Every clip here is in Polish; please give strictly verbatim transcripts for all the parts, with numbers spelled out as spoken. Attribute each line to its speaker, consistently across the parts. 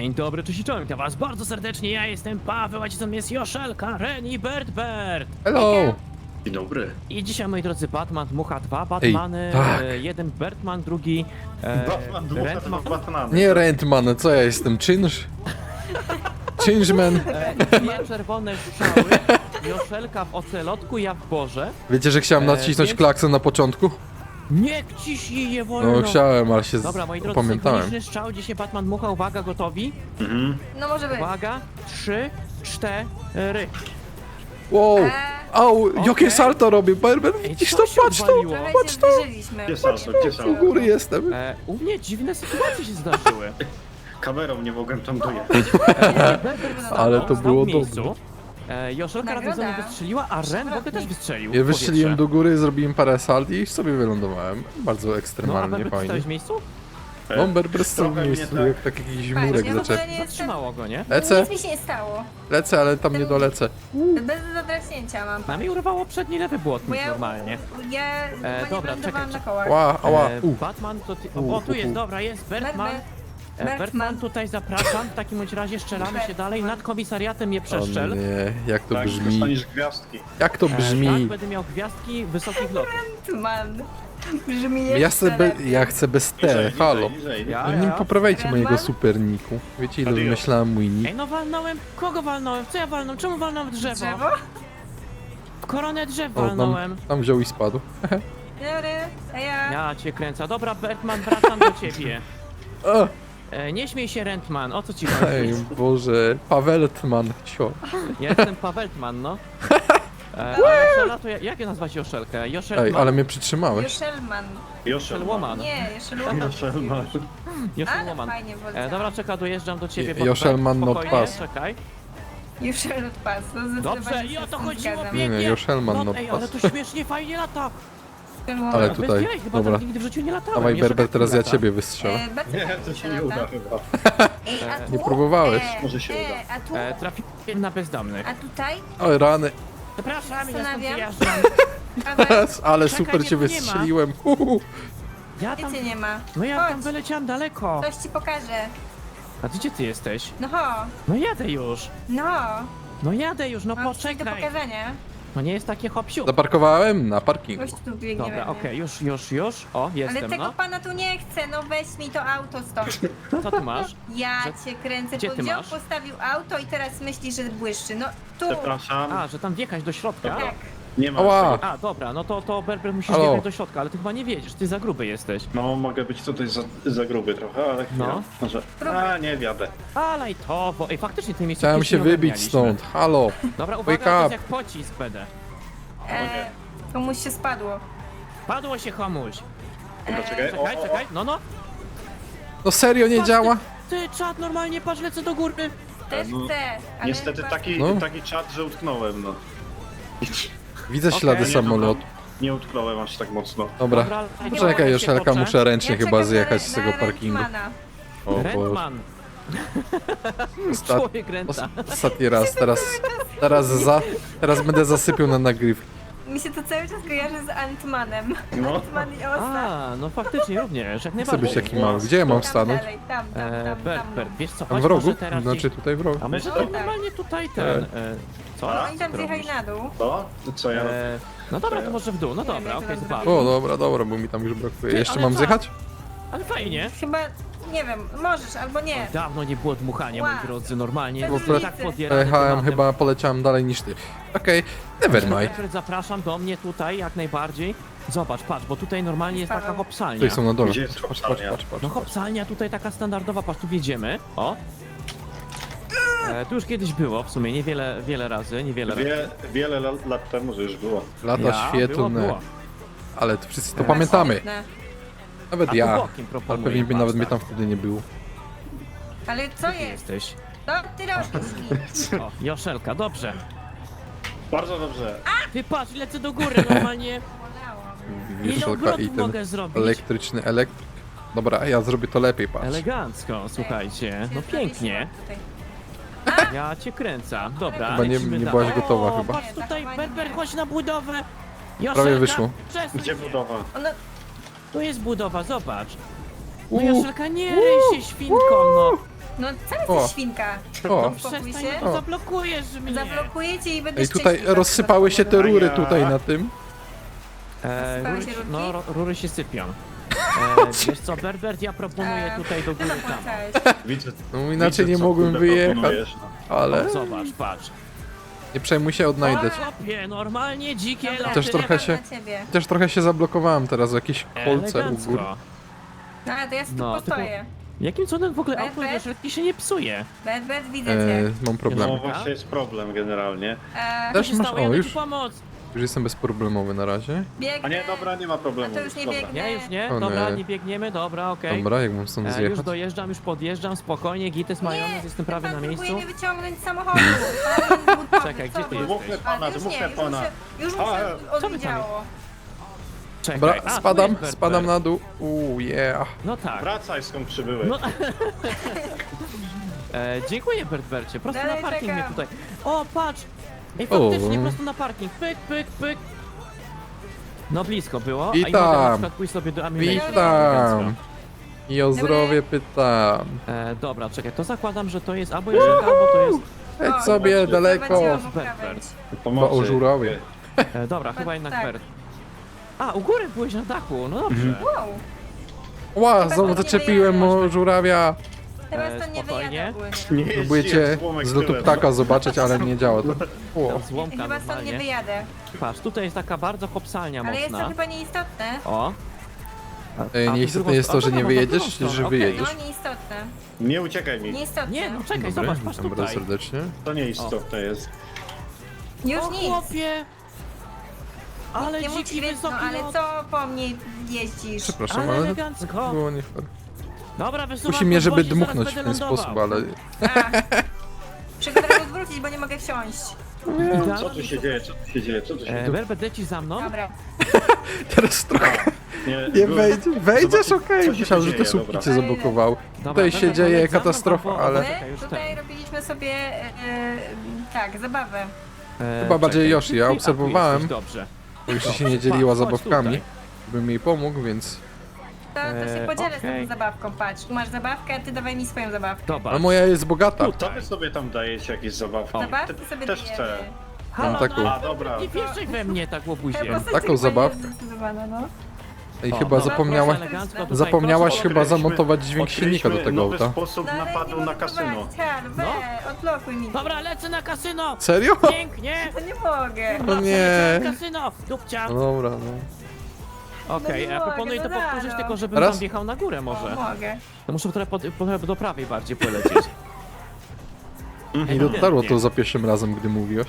Speaker 1: Dzień dobry, cześć i czołem, witam was bardzo serdecznie, ja jestem Paweł, a dzisiaj jest Joszelka, Ren i Bert Bert.
Speaker 2: Hello!
Speaker 3: Dzień dobry.
Speaker 1: I dzisiaj, moi drodzy, Batman dmucha dwa Batmany,
Speaker 2: tak.
Speaker 1: e, jeden Bertman, drugi e,
Speaker 3: Batman, dmucha
Speaker 1: Rentman.
Speaker 3: dwa Batmany.
Speaker 2: Nie Rentman, co ja jestem? Czynsz? Czynszman?
Speaker 1: E, dwie czerwone strzały, Joszelka w ocelotku, ja w Boże.
Speaker 2: Wiecie, że chciałem
Speaker 1: E,
Speaker 2: nacisnąć
Speaker 1: więc-
Speaker 2: klakson na początku?
Speaker 1: Nie ciśnij je wolno.
Speaker 2: No chciałem, ale się
Speaker 1: Dobra, moi drodzy,
Speaker 2: pamiętałem.
Speaker 1: synchroniczny strzał, dzisiaj Batman dmucha, uwaga, gotowi?
Speaker 3: Mhm.
Speaker 4: No może być.
Speaker 1: Uwaga, trzy, cztery.
Speaker 2: Wow!
Speaker 4: Eee,
Speaker 2: Au,
Speaker 1: Okej.
Speaker 2: jakie salto robię, Berber,
Speaker 1: Ej,
Speaker 2: widzisz
Speaker 1: co
Speaker 2: to?
Speaker 1: się
Speaker 2: Patrz to!
Speaker 1: odwaliło?
Speaker 4: trochę
Speaker 2: Patrz
Speaker 4: się
Speaker 2: to!
Speaker 4: zbliżyliśmy.
Speaker 3: Gdzie salto, gdzie salto?
Speaker 2: U góry jestem.
Speaker 1: E, u mnie dziwne sytuacje się zdarzyły.
Speaker 3: Kamerą nie mogłem tam dojechać.
Speaker 2: Ale to
Speaker 1: Stał
Speaker 2: było
Speaker 1: w miejscu.
Speaker 2: dobre.
Speaker 1: E, Joszelka
Speaker 4: Nagroda.
Speaker 1: razem ze mną wystrzeliła, a Ren w ogóle też wystrzelił.
Speaker 2: Ja
Speaker 1: w
Speaker 2: wystrzeliłem do
Speaker 1: powietrze.
Speaker 2: góry, zrobiłem parę salt i sobie wylądowałem. Bardzo
Speaker 1: No, a
Speaker 2: ekstremalnie
Speaker 1: Berber, ty
Speaker 2: fajnie.
Speaker 1: stałeś w miejscu?
Speaker 2: No, Berber stał w
Speaker 3: Trochę mnie
Speaker 2: miejscu,
Speaker 3: tak-
Speaker 2: jak taki jakiś
Speaker 4: Fajnie,
Speaker 2: murek
Speaker 4: ja w ogóle
Speaker 2: zaczep.
Speaker 4: nie jestem...
Speaker 1: Zatrzymało go, nie?
Speaker 2: Lecę,
Speaker 4: Nic mi się nie stało.
Speaker 2: lecę, ale tam nie dolecę.
Speaker 4: Bez zadraśnięcia mam.
Speaker 1: Na mnie urwało przedni lewy
Speaker 4: Bo
Speaker 1: błotnik
Speaker 4: ja,
Speaker 1: normalnie.
Speaker 4: ja
Speaker 1: E,
Speaker 4: e,
Speaker 1: dobra,
Speaker 4: nie
Speaker 1: czekaj,
Speaker 4: na
Speaker 1: czekaj.
Speaker 4: kołach.
Speaker 2: Ła, ała,
Speaker 1: E,
Speaker 2: u.
Speaker 1: Batman to ty...
Speaker 2: U,
Speaker 1: O, tu
Speaker 2: u,
Speaker 1: jest,
Speaker 2: u.
Speaker 1: dobra, jest Bertman.
Speaker 4: Berber.
Speaker 1: E, Bertman,
Speaker 4: Bertman.
Speaker 1: tutaj zapraszam, w takim bądź razie strzelamy się dalej,
Speaker 4: Bertman.
Speaker 1: nad komisariatem mnie
Speaker 2: O
Speaker 1: przeszczel.
Speaker 2: nie, jak to
Speaker 3: Tak,
Speaker 2: brzmi.
Speaker 3: dostaniesz gwiazdki.
Speaker 2: Jak to
Speaker 1: E, tak,
Speaker 2: brzmi?
Speaker 1: będę miał gwiazdki wysokich lotów.
Speaker 4: Man. Brzmi jeszcze
Speaker 2: Ja chcę, be,
Speaker 4: lepiej.
Speaker 2: ja chcę bez T,
Speaker 3: Niżej,
Speaker 2: halo.
Speaker 3: niżej, niżej.
Speaker 1: Ja?
Speaker 2: No nie poprawiajcie mojego
Speaker 4: Rentman?
Speaker 2: superniku. Wiecie ile
Speaker 3: Adios.
Speaker 2: wymyślałem mój nick?
Speaker 1: Ej, no walnąłem, kogo walnąłem? Co ja walnąłem? Czemu walnąłem w drzewo?
Speaker 4: Drzewo?
Speaker 1: W koronę drzew
Speaker 2: O, tam,
Speaker 1: walnąłem.
Speaker 2: tam wziął i spadł.
Speaker 4: Dobry, a ja...
Speaker 1: Ja cię kręcę. Dobra, Bertman, wracam do ciebie.
Speaker 2: O,
Speaker 1: E, nie śmiej się, Rentman, o co ci
Speaker 2: ej,
Speaker 1: chodzi?
Speaker 2: Boże, Paweltman, sio.
Speaker 1: Ja jestem Paweltman, no. E, a Joszela to ja, jak ja nazwać Joszelkę? Joszelman?
Speaker 2: Ej, ale mnie przytrzymałeś.
Speaker 4: Joszelman.
Speaker 1: Joszelwoman.
Speaker 4: Nie, Joszelwoman.
Speaker 3: Joszelman.
Speaker 4: Ale
Speaker 1: Joszelwoman.
Speaker 4: fajnie
Speaker 1: E,
Speaker 4: wolę.
Speaker 1: dobra, czekaj, dojeżdżam do ciebie.
Speaker 2: Je-
Speaker 1: bo
Speaker 2: Joszelman
Speaker 1: tak,
Speaker 2: not
Speaker 1: spokojnie,
Speaker 2: pass.
Speaker 1: Czekaj.
Speaker 4: Joszel pas. No
Speaker 1: Dobrze,
Speaker 4: zdecydowanie
Speaker 1: i
Speaker 4: się
Speaker 1: o
Speaker 4: z
Speaker 1: to
Speaker 4: tym
Speaker 1: chodziło,
Speaker 4: zgadzam.
Speaker 2: Nie, nie,
Speaker 1: pięknie.
Speaker 2: Joszelman
Speaker 1: No,
Speaker 2: not
Speaker 1: ej, ale
Speaker 2: pass.
Speaker 1: to śmiesznie, fajnie lata.
Speaker 4: Joszelwoman.
Speaker 2: Ale
Speaker 1: Bez
Speaker 2: tutaj,
Speaker 1: jaj, chyba
Speaker 2: dobra.
Speaker 1: tak nigdy w życiu nie latałem.
Speaker 2: Dawaj,
Speaker 1: Joszelka
Speaker 2: Berber, teraz ja
Speaker 1: lata.
Speaker 2: ciebie wystrzelę.
Speaker 4: E, bardzo
Speaker 3: Nie,
Speaker 4: fajnie
Speaker 3: to się
Speaker 4: lata.
Speaker 3: nie uda chyba.
Speaker 4: Ej, a
Speaker 1: E,
Speaker 4: tu?
Speaker 2: Nie próbowałeś.
Speaker 4: E,
Speaker 3: Może się
Speaker 4: e,
Speaker 3: uda.
Speaker 4: A tu?
Speaker 1: E, trafiłem na bezdomnych.
Speaker 4: A tutaj?
Speaker 2: Oj, rany.
Speaker 1: Przepraszam, ja stąd
Speaker 4: Zastanawiam.
Speaker 1: wyjeżdżam.
Speaker 4: Paweł,
Speaker 2: Ale
Speaker 1: Czekaj,
Speaker 2: super
Speaker 1: mnie
Speaker 2: cię
Speaker 1: tu nie ma.
Speaker 2: wystrzeliłem. Uhu.
Speaker 1: Ja tam,
Speaker 4: Wiecie nie ma.
Speaker 1: no ja tam
Speaker 4: Chodź.
Speaker 1: wyleciałem daleko.
Speaker 4: Coś ci pokażę.
Speaker 1: A ty gdzie ty jesteś?
Speaker 4: No ho,
Speaker 1: No jadę już.
Speaker 4: no.
Speaker 1: No jadę już, no
Speaker 4: Mam coś do
Speaker 1: poczekaj.
Speaker 4: pokazania.
Speaker 1: No nie jest takie hop-siup.
Speaker 2: Zaparkowałem na parkingu.
Speaker 4: Gość tu biegnie
Speaker 1: Dobra,
Speaker 4: we mnie.
Speaker 1: okej, już, już, już. O,
Speaker 4: Ale
Speaker 1: jestem,
Speaker 4: tego
Speaker 1: no.
Speaker 4: pana tu nie chcę, no weź mi to auto stąd.
Speaker 1: Co ty masz?
Speaker 4: Ja
Speaker 1: Że-
Speaker 4: cię kręcę,
Speaker 1: Gdzie
Speaker 4: bo
Speaker 1: ty
Speaker 4: wziął,
Speaker 1: masz?
Speaker 4: postawił auto i teraz myśli, że błyszczy. No tu,
Speaker 3: Przepraszam.
Speaker 1: A, że tam wjechać do środka?
Speaker 4: tak.
Speaker 3: Nie ma
Speaker 2: Ała.
Speaker 3: tego.
Speaker 1: A, dobra, no to, to Berber musisz
Speaker 2: Halo.
Speaker 1: wjechać do środka, ale ty chyba nie wiedziesz, ty za gruby jesteś.
Speaker 3: No, mogę być tutaj za, za gruby trochę, ale
Speaker 1: No.
Speaker 3: chwila. Może... A, nie wiadę.
Speaker 1: Alaj to, bo ej, faktycznie tej miejscu
Speaker 2: Chciałem się wybić stąd. Halo.
Speaker 1: Dobra, uwaga,
Speaker 2: Wake
Speaker 1: to jest
Speaker 2: up.
Speaker 1: jak pocisk będę.
Speaker 4: E, komuś się spadło.
Speaker 1: Padło się komuś.
Speaker 3: Dobra, czekaj. O,
Speaker 1: Czekaj,
Speaker 3: o,
Speaker 1: czekaj, no no.
Speaker 2: No serio nie
Speaker 1: Patrz,
Speaker 2: działa?
Speaker 1: Ty, ty czad, normalnie, patrz, lecę do góry.
Speaker 4: Też
Speaker 3: no,
Speaker 4: chcę, ale
Speaker 3: Niestety
Speaker 4: chyba-
Speaker 3: taki,
Speaker 2: No.
Speaker 3: taki czat, że utknąłem, no.
Speaker 2: Widzę
Speaker 1: Okej.
Speaker 2: ślady
Speaker 1: Nie,
Speaker 2: samolotu.
Speaker 3: Nie utknąłem aż tak mocno.
Speaker 2: Dobra.
Speaker 1: Dobra,
Speaker 2: Poczekaj, Joszelka, muszę ręcznie
Speaker 4: Ja
Speaker 2: chyba
Speaker 4: czekam
Speaker 2: zjechać
Speaker 4: na,
Speaker 2: z tego
Speaker 4: na
Speaker 2: parkingu.
Speaker 4: Rentmana.
Speaker 2: O Boże.
Speaker 1: Rentman,
Speaker 2: Ostat...
Speaker 1: człowiek renta.
Speaker 2: Ostatni raz, teraz, teraz za, teraz będę zasypiał na nagrywki.
Speaker 4: Mi się to cały czas kojarzy z Antmanem.
Speaker 3: No.
Speaker 4: Antman i Osa.
Speaker 1: A, no faktycznie, również, jak
Speaker 2: Chcę
Speaker 1: najbardziej.
Speaker 2: być taki mały. Gdzie ja mam
Speaker 4: Tam
Speaker 2: stanąć?
Speaker 4: dalej, tam, tam,
Speaker 1: E,
Speaker 4: tam,
Speaker 1: Bert,
Speaker 4: tam.
Speaker 1: Bert, wiesz co,
Speaker 2: Tam
Speaker 1: chodź
Speaker 2: w rogu?
Speaker 1: może teraz
Speaker 2: Znaczy
Speaker 1: gdzieś...
Speaker 2: tutaj w rogu.
Speaker 1: A może
Speaker 3: Wiesz
Speaker 1: tak
Speaker 3: co?
Speaker 1: normalnie tutaj ten... E, co?
Speaker 4: No
Speaker 1: Co
Speaker 4: oni tam
Speaker 1: ty
Speaker 4: zjechali
Speaker 1: robisz?
Speaker 4: na dół.
Speaker 3: To? Co ja robię?
Speaker 1: E, no dobra, to może w dół, no
Speaker 4: Nie wiem,
Speaker 1: dobra,
Speaker 4: jak
Speaker 1: okej,
Speaker 4: to
Speaker 1: zobaczmy.
Speaker 2: O, dobra, dobra, bo mi tam już brakuje.
Speaker 1: Ty,
Speaker 2: Jeszcze
Speaker 1: ale
Speaker 2: mam
Speaker 1: co?
Speaker 2: zjechać?
Speaker 1: Ale fajnie.
Speaker 4: Chyba, nie wiem, możesz albo nie.
Speaker 1: Dawno nie było dmuchania, moi
Speaker 4: Wow.
Speaker 1: drodzy, normalnie.
Speaker 4: Bez
Speaker 1: Bo
Speaker 4: różnicy.
Speaker 1: tak podjarany
Speaker 2: Pojechałem,
Speaker 1: tematem.
Speaker 2: chyba poleciałem dalej niż ty. Okej, never mind.
Speaker 1: Alfred, zapraszam do mnie tutaj, jak najbardziej. Zobacz, patrz, bo tutaj normalnie jest taka
Speaker 4: Paweł.
Speaker 1: hopsalnia.
Speaker 2: Tutaj są na dole.
Speaker 3: Gdzie jest
Speaker 2: Patrz, patrz,
Speaker 3: hopsalnia?
Speaker 2: patrz, patrz.
Speaker 1: No hopsalnia tutaj taka standardowa, patrz, tu wjedziemy. O. E, tu już kiedyś było, w sumie, niewiele wiele razy, niewiele razy.
Speaker 3: Wie, wiele la- lat temu, że już było.
Speaker 2: Lata
Speaker 1: Ja,
Speaker 2: świetlne.
Speaker 1: było, było.
Speaker 2: Ale to wszyscy to
Speaker 1: E,
Speaker 2: pamiętamy.
Speaker 4: Świetne.
Speaker 2: Nawet
Speaker 1: A
Speaker 2: ja.
Speaker 1: tu bokiem
Speaker 2: Ale
Speaker 1: proponuję,
Speaker 2: pewnie by
Speaker 1: patrz,
Speaker 2: nawet mnie
Speaker 1: tak.
Speaker 2: tam wtedy nie było.
Speaker 4: Ale co
Speaker 1: Ty
Speaker 4: jest?
Speaker 1: jesteś.
Speaker 4: No, ty robisz.
Speaker 1: O, Joszelka, dobrze.
Speaker 3: Bardzo dobrze.
Speaker 1: Ty patrz, lecę do góry normalnie. Ile
Speaker 2: Wieszelka
Speaker 1: obrotów
Speaker 2: i ten
Speaker 1: mogę zrobić?
Speaker 2: elektryczny elektryk. Dobra, ja zrobię to lepiej, patrz.
Speaker 1: Elegancko, słuchajcie. No pięknie. Ja cię kręcę. Dobra,
Speaker 2: Chyba nie-
Speaker 1: lecimy
Speaker 2: nie
Speaker 1: dalej.
Speaker 2: byłaś gotowa
Speaker 1: o,
Speaker 2: chyba.
Speaker 1: Patrz tutaj,
Speaker 4: Nie,
Speaker 1: Berber, chodź na budowę. Joszelka,
Speaker 2: Prawie wyszło.
Speaker 1: przesuń
Speaker 3: Gdzie
Speaker 1: się.
Speaker 3: budowa?
Speaker 4: Ona,
Speaker 1: Tu jest budowa, zobacz. No
Speaker 2: Uuu.
Speaker 1: Joszelka, nie ryj się świnką, no.
Speaker 4: No co
Speaker 2: O.
Speaker 4: jesteś świnka?
Speaker 2: O,
Speaker 4: Spokój
Speaker 1: Przestań,
Speaker 4: się.
Speaker 1: no zablokujesz mnie.
Speaker 4: Zablokuję cię i będę
Speaker 2: ej, tutaj
Speaker 4: szczęśliwa,
Speaker 2: rozsypały
Speaker 4: że
Speaker 2: się
Speaker 4: to
Speaker 2: te rury
Speaker 3: A ja.
Speaker 2: tutaj na tym.
Speaker 1: E,
Speaker 4: Rozsypały
Speaker 1: rury,
Speaker 4: się
Speaker 1: się-
Speaker 4: rurki?
Speaker 1: no, ro- rury się sypią. E, wiesz co, Berbert, ja proponuję
Speaker 4: E,
Speaker 1: tutaj do
Speaker 4: Ty
Speaker 1: góry tam.
Speaker 4: zapłacałeś.
Speaker 3: Widzę.
Speaker 2: No inaczej
Speaker 3: widzę,
Speaker 2: nie
Speaker 3: co,
Speaker 2: mogłem
Speaker 3: kurde,
Speaker 2: wyjechać,
Speaker 3: proponujesz, no.
Speaker 2: ale
Speaker 1: O, zobacz, patrz.
Speaker 2: nie przejmuj się, odnajdę cię.
Speaker 1: Chłopie, normalnie dzikie
Speaker 4: Dobra,
Speaker 1: loty.
Speaker 2: Też trochę się-
Speaker 4: dla ciebie.
Speaker 2: Też trochę się zablokowałem teraz w jakieś kolce u
Speaker 1: Elegancko.
Speaker 2: góry.
Speaker 4: No ale to ja sobie
Speaker 1: No,
Speaker 4: tu postoję.
Speaker 1: Jakim cudem w ogóle
Speaker 4: Berbert?
Speaker 1: auto do środki się nie psuje?
Speaker 4: Bet, bet, widzę
Speaker 2: E,
Speaker 4: cię.
Speaker 2: mam problem.
Speaker 3: No właśnie jest problem generalnie.
Speaker 4: E,
Speaker 2: Też
Speaker 1: Co się
Speaker 2: masz,
Speaker 1: stało?
Speaker 2: o
Speaker 1: Jadę
Speaker 2: już,
Speaker 1: ci pomóc.
Speaker 2: już jestem bezproblemowy na razie.
Speaker 4: biegnę.
Speaker 3: A nie, dobra, nie ma problemu.
Speaker 4: A to już nie
Speaker 3: dobra.
Speaker 4: biegnę.
Speaker 1: Nie, już nie?
Speaker 2: O
Speaker 1: Dobra,
Speaker 2: nie.
Speaker 1: nie biegniemy, dobra, okej.
Speaker 2: Dobra, jak mam stąd
Speaker 1: E, już
Speaker 2: zjechać?
Speaker 1: dojeżdżam, już podjeżdżam, spokojnie, gites majonez, jestem prawie
Speaker 4: pan
Speaker 1: na miejscu.
Speaker 4: próbuje mnie wyciągnąć z samochodu. Pan jest budowy,
Speaker 1: Czekaj,
Speaker 4: co
Speaker 1: gdzie ty
Speaker 4: wy?
Speaker 1: jesteś?
Speaker 3: Mówmy
Speaker 4: A,
Speaker 3: pana,
Speaker 4: już nie,
Speaker 3: mówmy
Speaker 4: już
Speaker 3: pana.
Speaker 4: muszę, już
Speaker 3: A,
Speaker 4: muszę
Speaker 3: co
Speaker 1: wy tam
Speaker 4: odwiedziało.
Speaker 1: Czekaj.
Speaker 2: Dobra,
Speaker 1: a, tu
Speaker 2: spadam,
Speaker 1: jest Berbert.
Speaker 2: spadam na dół. Uuu, yeah.
Speaker 1: No tak.
Speaker 3: Wracaj skąd przybyłeś.
Speaker 1: No. e, dziękuję, Bertbercie, prosto
Speaker 4: Dalej
Speaker 1: na parking mnie
Speaker 4: czekam.
Speaker 1: tutaj. O, patrz! Ej,
Speaker 2: O.
Speaker 1: faktycznie, prosto na parking, pyk, pyk, pyk. No blisko było, a i
Speaker 2: Witam.
Speaker 1: mogę na przykład pójść sobie do Amazing.
Speaker 2: Witam! I o zdrowie pytam.
Speaker 1: E, dobra, czekaj, to zakładam, że to jest albo Jerzyka, albo to jest...
Speaker 2: Jedź
Speaker 4: O,
Speaker 2: sobie
Speaker 3: zobaczcie.
Speaker 2: daleko.
Speaker 4: Zobaczyłam
Speaker 1: Berbert.
Speaker 4: krawędź.
Speaker 3: Pomocy.
Speaker 2: Chyba o żurawie.
Speaker 1: E, dobra, chyba jednak
Speaker 4: tak.
Speaker 1: Bert. A, u góry byłeś na dachu, no dobrze.
Speaker 2: Mhm.
Speaker 4: Wow,
Speaker 2: Ła,
Speaker 4: Chyba
Speaker 2: znowu
Speaker 4: nie
Speaker 2: zaczepiłem
Speaker 4: wyjechać.
Speaker 2: o żurawia.
Speaker 4: teraz
Speaker 1: E,
Speaker 4: to nie
Speaker 1: spokojnie.
Speaker 4: wyjadę ogólnie.
Speaker 3: Nie jeździ
Speaker 2: Próbujecie
Speaker 3: jak złomek
Speaker 2: z lotu
Speaker 3: tyłem.
Speaker 2: ptaka zobaczyć, ale nie działa to. O,
Speaker 1: Tam złomka
Speaker 4: Chyba stąd nie
Speaker 1: normalnie.
Speaker 4: wyjadę.
Speaker 1: Patrz, tutaj jest taka bardzo kopsalnia
Speaker 4: Ale jest to
Speaker 1: mocna.
Speaker 4: chyba nieistotne.
Speaker 1: O. A-
Speaker 2: Ej,
Speaker 1: a tu
Speaker 2: nieistotne
Speaker 1: drugą
Speaker 2: jest to, że
Speaker 1: stronę?
Speaker 2: nie
Speaker 1: A,
Speaker 2: wyjedziesz,
Speaker 1: drugą stronę,
Speaker 2: że
Speaker 1: okej.
Speaker 2: wyjedziesz.
Speaker 4: No nieistotne.
Speaker 3: Nie uciekaj mi.
Speaker 4: Nieistotne.
Speaker 1: Nie, no czekaj,
Speaker 2: Dobry,
Speaker 1: zobacz, patrz
Speaker 2: witam bardzo
Speaker 1: tutaj.
Speaker 2: serdecznie.
Speaker 3: To nie istotne jest.
Speaker 4: Już
Speaker 1: O
Speaker 4: nic.
Speaker 1: chłopie! Ale
Speaker 4: nie mów
Speaker 1: dziki
Speaker 4: no,
Speaker 1: wysoki
Speaker 4: ale
Speaker 1: lot.
Speaker 4: co po mnie jeździsz?
Speaker 2: Przepraszam,
Speaker 1: Ale
Speaker 2: ale to
Speaker 1: elegancko.
Speaker 2: było nie fair.
Speaker 1: Dobra, wysuwam
Speaker 2: Kusi mnie, żeby
Speaker 1: podwozie, zaraz
Speaker 2: dmuchnąć w
Speaker 1: będę
Speaker 2: ten
Speaker 1: lądował.
Speaker 2: sposób, ale...
Speaker 4: A. Muszę go teraz odwrócić, bo nie mogę wsiąść.
Speaker 1: Idealnie
Speaker 3: Co tu się dzieje, co tu się dzieje, co tu się
Speaker 1: E,
Speaker 3: dzieje?
Speaker 1: Berbert, leci za mną?
Speaker 4: Dobra.
Speaker 2: Teraz trochę nie
Speaker 3: byłem-
Speaker 2: wejdzie. Wejdziesz,
Speaker 3: Zobaczyć,
Speaker 2: okej.
Speaker 3: co się
Speaker 2: Myślałem,
Speaker 3: tu
Speaker 2: że te
Speaker 3: dzieje,
Speaker 2: słupki
Speaker 3: dobra.
Speaker 2: cię zablokowały.
Speaker 1: Dobra,
Speaker 2: Tutaj się
Speaker 1: Berbert,
Speaker 2: dzieje
Speaker 1: leć za mną,
Speaker 2: katastrofa,
Speaker 1: albo-
Speaker 2: ale...
Speaker 1: albo
Speaker 4: My
Speaker 1: czekaj, już
Speaker 4: tutaj
Speaker 1: ten.
Speaker 4: robiliśmy sobie, e, e, tak, zabawę.
Speaker 1: E,
Speaker 2: Chyba bardziej
Speaker 1: czekaj.
Speaker 2: Yoshi, ja
Speaker 1: A, tu
Speaker 2: obserwowałem.
Speaker 1: jesteś, Dobrze.
Speaker 2: Bo jeszcze się nie dzieliła
Speaker 1: Chodź
Speaker 2: zabawkami,
Speaker 1: tutaj.
Speaker 2: bym jej pomógł, więc...
Speaker 4: To, to się
Speaker 1: E,
Speaker 4: podzielę z
Speaker 1: okej.
Speaker 4: tą zabawką, patrz. Tu masz zabawkę, a ty dawaj mi swoją zabawkę.
Speaker 1: Dobra.
Speaker 2: Ale moja jest bogata.
Speaker 3: To wy sobie tam dajecie jakieś zabawki.
Speaker 4: Zabawki
Speaker 3: Te-
Speaker 4: sobie
Speaker 3: Też
Speaker 4: dajemy.
Speaker 3: chcę.
Speaker 1: Halo,
Speaker 2: taką.
Speaker 1: no,
Speaker 3: A, dobra.
Speaker 1: nie wjeżdżaj we mnie tak łobuzie.
Speaker 4: Ta postać
Speaker 2: Taką
Speaker 4: chyba
Speaker 2: zabawkę.
Speaker 4: nie jest zdecydowana, no.
Speaker 2: Ej,
Speaker 1: O,
Speaker 2: chyba
Speaker 1: dobra,
Speaker 2: zapomniałaś...
Speaker 1: proszę elegancko tutaj,
Speaker 2: Zapomniałaś
Speaker 1: proszę.
Speaker 2: chyba
Speaker 3: Odkryliśmy-
Speaker 2: zamontować dźwięk silnika do tego
Speaker 3: odkryliśmy
Speaker 2: auta.
Speaker 3: nowy sposób
Speaker 4: No, ale nie
Speaker 3: napadu
Speaker 4: mogę
Speaker 3: na kasyno.
Speaker 4: prowadzić, Hal, we,
Speaker 2: No.
Speaker 4: odblokuj mi.
Speaker 1: Dobra, lecę na kasyno!
Speaker 2: Serio?
Speaker 1: Pięknie!
Speaker 4: To nie mogę.
Speaker 2: No
Speaker 1: Dobra,
Speaker 2: nie.
Speaker 1: przeleciałem na kasyno! Dupcia!
Speaker 2: No dobra, no.
Speaker 1: Okej,
Speaker 4: nie
Speaker 1: ja
Speaker 4: mogę,
Speaker 1: proponuję to
Speaker 4: no
Speaker 1: powtórzyć,
Speaker 4: rano.
Speaker 1: tylko żebym
Speaker 2: Raz?
Speaker 1: tam wjechał na górę
Speaker 4: O,
Speaker 1: może.
Speaker 4: mogę.
Speaker 1: To muszę trochę, pod, trochę do prawej bardziej polecieć.
Speaker 2: Nie dotarło to za pierwszym razem, gdy mówiłeś.